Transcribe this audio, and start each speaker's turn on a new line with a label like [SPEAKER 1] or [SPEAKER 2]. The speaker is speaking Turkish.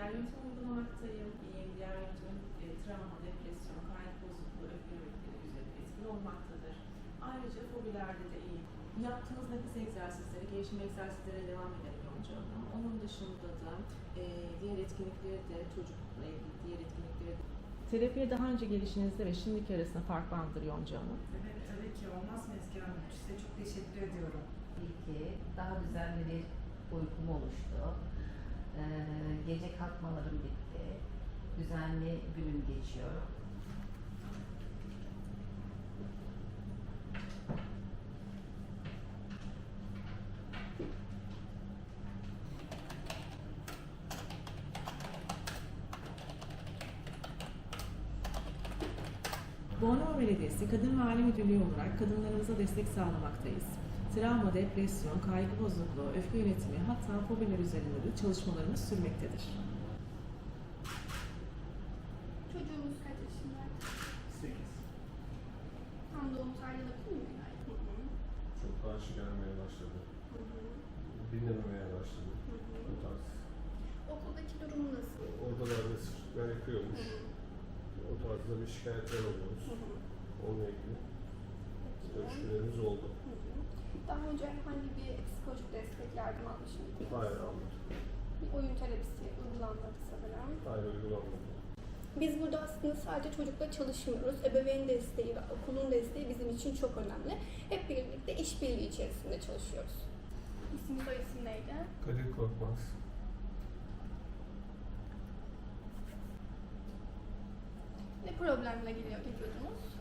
[SPEAKER 1] Diğer yöntemi uygulamaktayım. Diğer yöntemin travma, depresyon, kaygı bozukluğu, öfke yönetimleri üzerinde etkili olmaktadır. Ayrıca fobilerde de iyi. Yaptığınız nefes egzersizleri, gelişim egzersizlere devam edelim Yonca Hanım. Onun dışında da diğer etkinlikleri de çocukla ilgili diğer etkinlikleri de. Terapiye daha önce gelişinizde ve şimdiki arasında fark vardır Yonca Hanım.
[SPEAKER 2] Evet, tabii ki olmaz mı Ezgi Hanım? Size çok teşekkür ediyorum.
[SPEAKER 3] İyi ki daha düzenli bir uykum oluştu. Gece kalkmalarım bitti. Düzenli günüm geçiyor.
[SPEAKER 1] Bornova Belediyesi Kadın ve Aile Müdürlüğü olarak kadınlarımıza destek sağlamaktayız. Travma, depresyon, kaygı bozukluğu, öfke yönetimi hatta fobiler üzerinde de çalışmalarımız sürmektedir.
[SPEAKER 4] Çocuğumuz kaç yaşında?
[SPEAKER 5] 8.
[SPEAKER 4] Tam doğum tarihi alabilir miyim?
[SPEAKER 5] Çok karşı gelmeye başladı. Dinlememeye başladı. Bu tarz.
[SPEAKER 4] Okuldaki durumu nasıl?
[SPEAKER 5] Oradalarda sırtlar yakıyormuş. O tarzda bir şikayetler alıyoruz. Onunla ilgili görüşmelerimiz oldu.
[SPEAKER 4] Daha önce herhangi bir psikolojik destek yardım almış mıydınız?
[SPEAKER 5] Hayır, almadı.
[SPEAKER 4] Bir oyun terapisi uygulanmadı sanırım.
[SPEAKER 5] Hayır, uygulanmadı.
[SPEAKER 4] Biz burada aslında sadece çocukla çalışmıyoruz. Ebeveyn desteği ve okulun desteği bizim için çok önemli. Hep birlikte işbirliği içerisinde çalışıyoruz. İsim soy isim neydi?
[SPEAKER 5] Kadir Korkmaz.
[SPEAKER 4] Ne problemle geliyordunuz?